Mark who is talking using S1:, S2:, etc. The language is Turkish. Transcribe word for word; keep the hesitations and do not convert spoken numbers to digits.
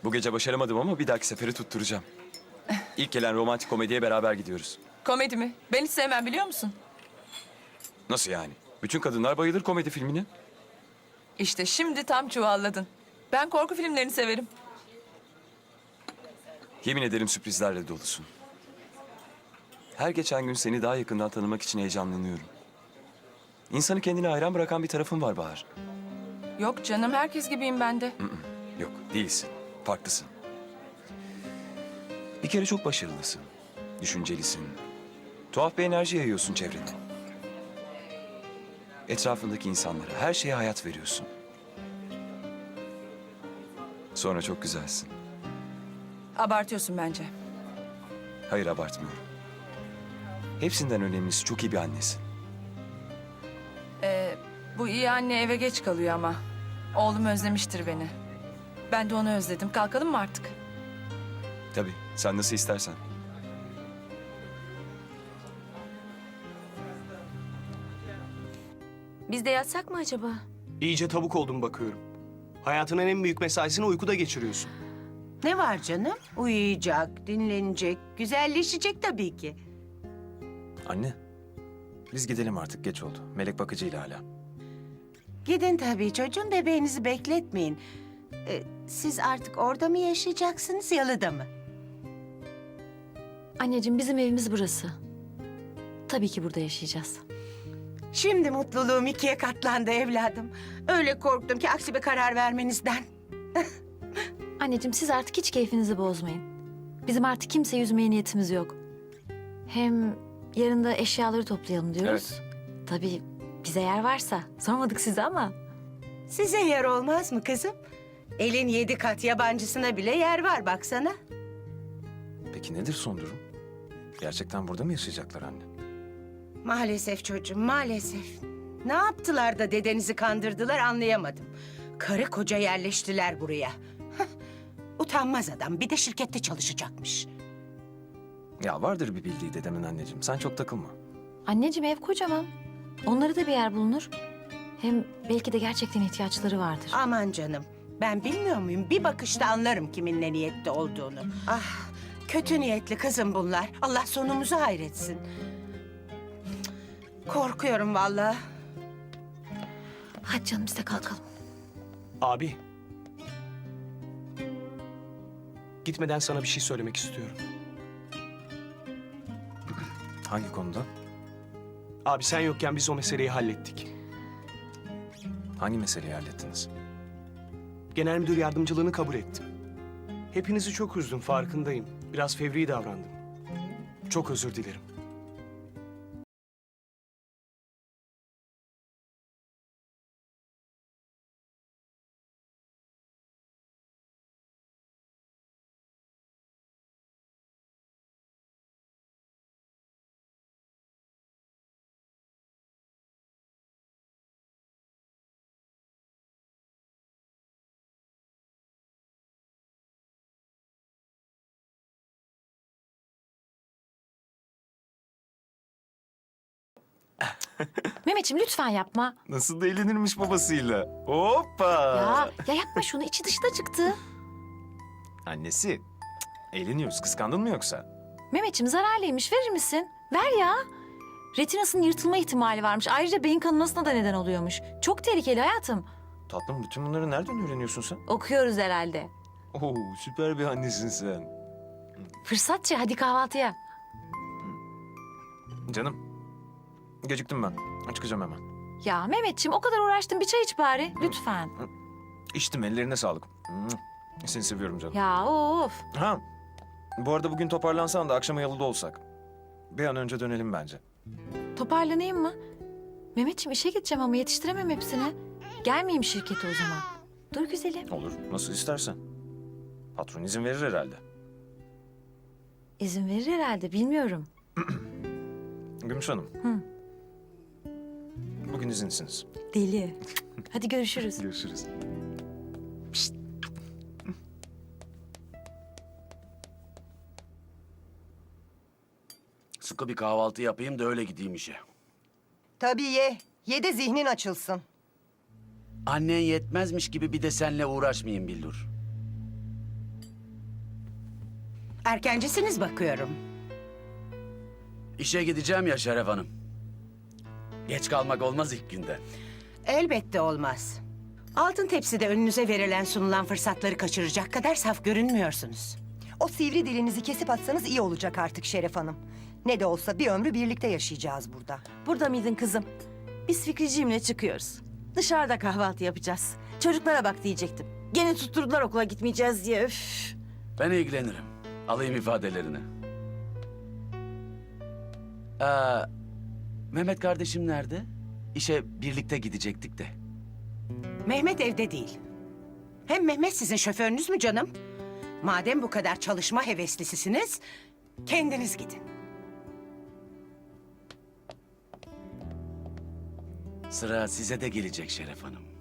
S1: Bu gece başaramadım ama bir dahaki seferi tutturacağım. İlk gelen romantik komediye beraber gidiyoruz.
S2: Komedi mi? Ben hiç sevmem biliyor musun?
S1: Nasıl yani? Bütün kadınlar bayılır komedi filmine.
S2: İşte şimdi tam çuvalladın. Ben korku filmlerini severim.
S1: Yemin ederim sürprizlerle dolusun. Her geçen gün seni daha yakından tanımak için heyecanlanıyorum. İnsanı kendine hayran bırakan bir tarafın var Bahar.
S2: Yok canım, herkes gibiyim ben de.
S1: Yok, değilsin. Farklısın. Bir kere çok başarılısın. Düşüncelisin. Tuhaf bir enerji yayıyorsun çevrene. Etrafındaki insanlara, her şeye hayat veriyorsun. Sonra çok güzelsin.
S2: Abartıyorsun bence.
S1: Hayır, abartmıyorum. Hepsinden önemlisi çok iyi bir annesin.
S2: Ee, bu iyi anne eve geç kalıyor ama. Oğlum özlemiştir beni. Ben de onu özledim. Kalkalım mı artık?
S1: Tabii, sen nasıl istersen.
S3: Biz de yatsak mı acaba?
S4: İyice tavuk oldum bakıyorum. Hayatının en büyük mesaisini uykuda geçiriyorsun.
S5: Ne var canım? Uyuyacak, dinlenecek, güzelleşecek tabii ki.
S6: Anne, biz gidelim artık, geç oldu. Melek bakıcıyla hala.
S5: Gidin tabii çocuğum, bebeğinizi bekletmeyin. Ee, siz artık orada mı yaşayacaksınız, yalıda mı?
S3: Anneciğim bizim evimiz burası. Tabii ki burada yaşayacağız.
S5: Şimdi mutluluğum ikiye katlandı evladım. Öyle korktum ki aksi bir karar vermenizden.
S3: Anneciğim siz artık hiç keyfinizi bozmayın. Bizim artık kimseyi üzmeye niyetimiz yok. Hem yarın da eşyaları toplayalım diyoruz.
S1: Evet.
S3: Tabii bize yer varsa. Sormadık size ama.
S5: Size yer olmaz mı kızım? Elin yedi kat yabancısına bile yer var baksana.
S6: Peki nedir son durum? Gerçekten burada mı yaşayacaklar anne?
S5: Maalesef çocuğum, maalesef. Ne yaptılar da dedenizi kandırdılar anlayamadım. Karı koca yerleştiler buraya. Hah, utanmaz adam, bir de şirkette çalışacakmış.
S6: Ya vardır bir bildiği dedemin anneciğim. Sen çok takılma.
S3: Anneciğim ev kocaman. Onlara da bir yer bulunur. Hem belki de gerçekten ihtiyaçları vardır.
S5: Aman canım, ben bilmiyor muyum? Bir bakışta anlarım kiminle niyetli olduğunu. Ah, kötü niyetli kızım bunlar. Allah sonumuzu hayretsin. Korkuyorum vallahi.
S3: Hadi canım biz de kalkalım.
S4: Abi. Gitmeden sana bir şey söylemek istiyorum.
S6: Hangi konuda?
S4: Abi sen yokken biz o meseleyi hallettik.
S6: Hangi meseleyi hallettiniz?
S4: Genel müdür yardımcılığını kabul ettim. Hepinizi çok üzdüm, farkındayım. Biraz fevri davrandım. Çok özür dilerim.
S3: Mehmetciğim lütfen yapma.
S6: Nasıl da eğlenirmiş babasıyla. Hoppa!
S3: Ya, ya yapma şunu içi dışta çıktı.
S6: Annesi, cık, eğleniyoruz. Kıskandın mı yoksa?
S3: Mehmetciğim zararlıymış verir misin? Ver ya. Retinasının yırtılma ihtimali varmış. Ayrıca beyin kanamasına da neden oluyormuş. Çok tehlikeli hayatım.
S6: Tatlım bütün bunları nereden öğreniyorsun sen?
S3: Okuyoruz herhalde.
S6: Oo, süper bir annesin sen.
S3: Fırsatçı hadi kahvaltıya.
S6: Canım, geciktim ben. Çıkacağım hemen.
S3: Ya Mehmetciğim o kadar uğraştın bir çay iç bari lütfen.
S6: İçtim, ellerine sağlık. Seni seviyorum canım.
S3: Ya of.
S6: Ha, bu arada bugün toparlansan da akşama yalıda olsak. Bir an önce dönelim bence.
S3: Toparlanayım mı? Mehmetciğim işe gideceğim ama yetiştiremem hepsini. Gelmeyeyim şirkete o zaman. Dur güzelim.
S6: Olur, nasıl istersen. Patron izin verir herhalde.
S3: İzin verir herhalde bilmiyorum.
S6: Gümüş Hanım.
S3: Hı.
S6: Bugün izinsiniz.
S3: Deli. Hadi görüşürüz.
S6: Görüşürüz.
S7: Sıkı bir kahvaltı yapayım da öyle gideyim işe.
S8: Tabii ye. Ye de zihnin açılsın.
S7: Annen yetmezmiş gibi bir de seninle uğraşmayayım Billur.
S5: Erkencisiniz bakıyorum.
S7: İşe gideceğim ya Şeref Hanım. Geç kalmak olmaz ilk günden.
S5: Elbette olmaz. Altın tepside önünüze verilen sunulan fırsatları kaçıracak kadar saf görünmüyorsunuz.
S8: O sivri dilinizi kesip atsanız iyi olacak artık Şeref Hanım. Ne de olsa bir ömrü birlikte yaşayacağız burada.
S9: Burada mıydın kızım? Biz Fikriciğimle çıkıyoruz. Dışarıda kahvaltı yapacağız. Çocuklara bak diyecektim. Gene tutturdular okula gitmeyeceğiz diye. Üf.
S7: Ben ilgilenirim. Alayım ifadelerini. Ee, Mehmet kardeşim nerede? İşe birlikte gidecektik de.
S5: Mehmet evde değil. Hem Mehmet sizin şoförünüz mü canım? Madem bu kadar çalışma heveslisisiniz, kendiniz gidin.
S7: Sıra size de gelecek Şeref Hanım.